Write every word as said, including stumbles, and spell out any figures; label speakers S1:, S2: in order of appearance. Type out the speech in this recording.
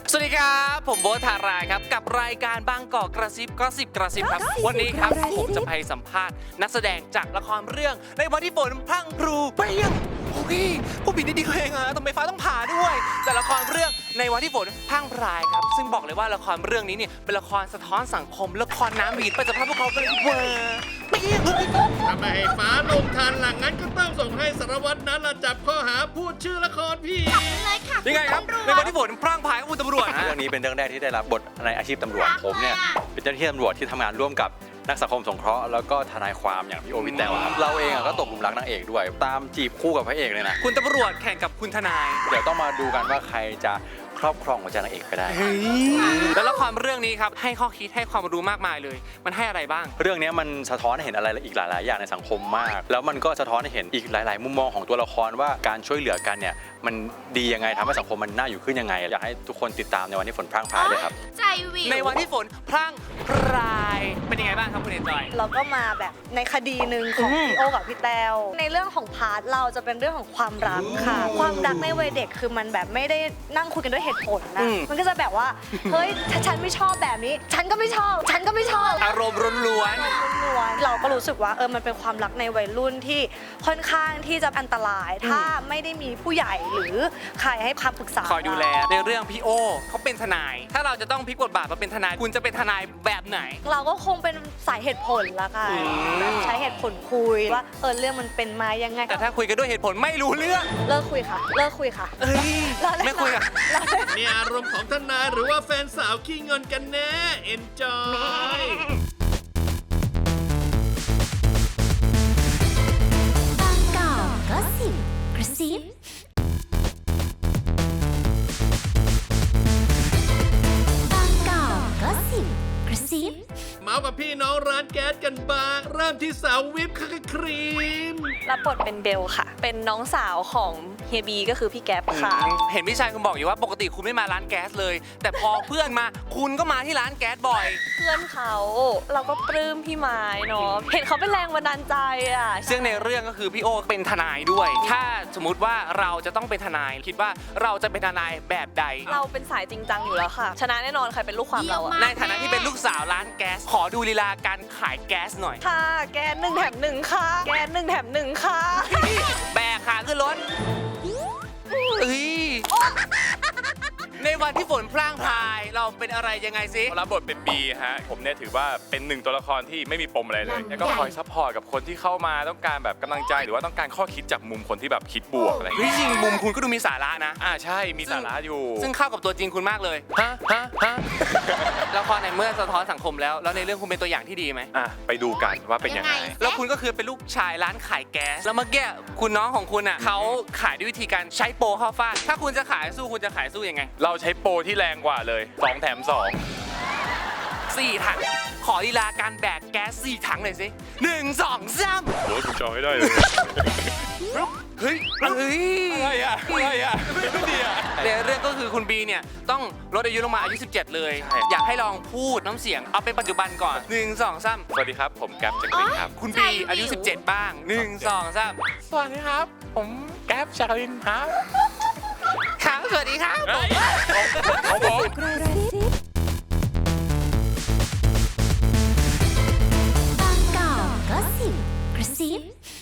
S1: สวัสดีครับผมโบ๊ทธารายครับกับรายการบางกอกกระซิบก็สิบกระซิบครับวันนี้ครับผมจะไปสัมภาษณ์นักแสดงจากละครเรื่องในวันที่ฝนพรั่งพรูเปรี้ยงโอ้ยผู้ผิดดีๆเองอะทำไมฟ้าต้องผ่าด้วยแต่ละครเรื่องในวันที่ฝนพรั่งพรายครับซึ่งบอกเลยว่าละครเรื่องนี้เนี่ยเป็นละครสะท้อนสังคมละครน้ำหวีดไปสัมภาษณ์พวกเขากันเลยเวอร์เปรี้ยงเลย
S2: ถ้าไม่ให้ฟ้าลงทันหลังนั้นก็ต้องส่งให้สารวัตรนั้นละจับข้อหาพูดชื่อละครพี่
S1: ยังไงครับในวันที่ฝนพรั่งพรายกับคุณตำรวจ
S3: เรื่องนี้เป็นเรื่องแรกที่ได้รับบทในอาชีพตำรวจผมเนี่ยเป็นเจ้าหน้าที่ตำรวจที่ทำงานร่วมกับนักสังคมสงเคราะห์แล้วก็ทนายความอย่างพี่โอวิทแตวครับเราเองก็ตกหลุมรักนางเอกด้วยตามจีบคู่กับพระเอกเลยนะ
S1: คุณตำรวจแข่งกับคุณทนาย
S3: เดี๋ยวต้องมาดูกันว่าใครจะครอบครองหัวใจนางเอกไปได้
S1: แล้วละครเรื่องนี้ครับให้ข้อคิดให้ความรู้มากมายเลย มันให้อะไรบ้าง
S3: เรื่องนี้มันสะท้อนให้เห็นอะไรอีกหลาย ๆ อย่างในสังคมมาก แล้วมันก็สะท้อนให้เห็นอีกหลาย ๆ มุมมองของตัวละครว่าการช่วยเหลือกันเนี่ยมันดียังไงทำให้สังคมมันน่าอยู่ขึ้นยังไงอยากให้ทุกคนติดตามในวันที่ฝนพรั่งพรายเลยครับ
S4: ใจวิว
S1: ในวันที่ฝนพรั่งพรายเป็นยังไงบ้างครับคุณเอ็นจอย
S5: เราก็มาแบบในคดีหนึ่งของ
S1: อืม
S5: พี่โอกับพี่แต้วในเรื่องของพาร์ทเราจะเป็นเรื่องของความรักค่ะ ความรักในวัยเด็กคือมันแบบไม่ได้นั่งคุยกันด้วยเหตุผลนะมันก็จะแบบว่าเฮ้ยถ้าฉันไม่ชอบแบบนี้ ฉันก็ไม่ชอบ ฉันก็ไม่ชอบ
S1: อารมณ์ล้วน
S5: ล้วนๆเราก็รู้สึกว่าเออมันเป็นความรักในวัยรุ่นที่ค่อนข้างที่จะอันตราย ถ้าไม่ได้มีผู้ใหญ่หรือใครให้คำปรึกษา
S1: ๆคอยดูแลในเรื่องพี่โอเขาเป็นทนาย ถ้าเราจะต้องพลิกบทบาทมาเป็นทนายคุณจะเป็นทนายแบบไหน
S5: เราก็คงเป็นสายเหตุผลละค่ะ
S1: อืม
S5: แบบใช้เหตุผลคุยว่าเออเรื่องมันเป็นมายังไง
S1: แต่ถ้าคุยกันด้วยเหตุผลไม่รู้เรื่อง
S5: เลิกคุยค่ะ เลิกคุยค่ะ
S1: เอ้ยไม่คุยอะ
S2: นี่อารมณ์ของทนายหรือว่าแฟนสาวขี้เงินกันแน่ enjoy
S4: บางกอกก็สิบกระซิบางกอกก็สิบกระซิบ
S2: เมาส์กับพี่น้องร้านแก๊สกันบ้างเริ่มที่สาววิปครีม
S6: รับบทเป็นเบลค่ะ เป็นน้องสาวของเฮียบีก็คือพี่แก๊ปค่ะ
S1: เห็นพี่ชายคุณบอกอยู่ว่าปกติคุณไม่มาร้านแก๊สเลย แต่พอเพื่อนมาคุณก็มาที่ร้านแก๊สบ่อย
S6: เพื่อนเขาเราก็ปลื้มพี่ไม้เนาะ เห็นเขาเป็นแรงบันดาลใจอ่ะ
S1: ซึ่งในเรื่องก็คือพี่โอเป็นทนายด้วย ถ้าสมมุติว่าเราจะต้องเป็นทนาย คิดว่าเราจะเป็นทนายแบบใด
S6: เราเป็นสายจริงจังอยู่แล้วค่ะ ชนะแน่นอนใครเป็นลูกความเราอะ
S1: ในฐานะที่เป็นลูกสาวร้านแก๊ส ขอดูลีลาการขายแก๊สหน่อย
S6: ค่ะ แกนหนึ่งแถมหนึ่งค่ะ แกนหนึ่งแถมหนึ่งค่ะ
S1: แบกขาขึ้นรถเอ้ยในวันที่ฝนพร่างพรายเราเป็นอะไรยังไงซิ
S7: รับบทเป็นบีฮะผมเนี่ยถือว่าเป็นหนึ่งตัวละครที่ไม่มีปมอะไรเลย แล้วก็คอยซัพพอร์ตกับคนที่เข้ามาต้องการแบบกำลังใจหรือว่าต้องการข้อคิดจากมุมคนที่แบบคิดบวกอะไรอย่าง
S1: เฮ้ย
S7: เงี้ย
S1: จริงมุมคุณก็ดูมีสาระนะ
S7: อ่าใช่มีสาระอยู่
S1: ซึ่งเข้ากับตัวจริงคุณมากเลย
S7: ฮะฮะฮะ
S1: ละครในเมื่อสะท้อนสังคมแล้ว แล้วในเรื่องคุณเป็นตัวอย่างที่ดีไหม
S7: อ่ะไปดูกันว่าเป็นยังไง
S1: แล้วคุณก็คือเป็นลูกชายร้านขายแก๊ส แล้วเมื่อกี้คุณน้องของคุณอ่ะเขาขายด้วยวิธีการใช้โปรเข้าฟาดถ้าคุณจะขายสู้คุณจะขายสู้ยังไง
S7: เราใช้โปรที่แรงกว่าเลยสองแถมสอง
S1: สี่ถังขอลีลาการแบกแก๊สสี่ถังหน่อยสิหนึ่งสองสาม
S7: โอ้ยคุณจองไม่ได้เลย
S1: เฮ้ยเฮ้ย
S7: อะไรอ่ะอะไรอ่ะไม่ดีอ่ะ
S1: ในเรื่องก็คือคุณบีเนี่ยต้องลดอายุลงมาอายุสิบเจ็ดเลย
S7: ใช่
S1: อยากให้ลองพูดน้ำเสียงเอาเป็นปัจจุบันก่อนหนึ่งสองสาม
S7: สวัสดีครับผมแก๊ปจักรินครับ
S1: คุณบีอายุสิบเจ็ดบ้างหนึ่งสองสาม
S7: สวัสดีครับ ผมแก๊ปจักรินครับ
S1: ครับสวัสดีครับ
S7: เฮ้ยของผม
S4: กระซิบ บางกอกก็สิบกระซิบ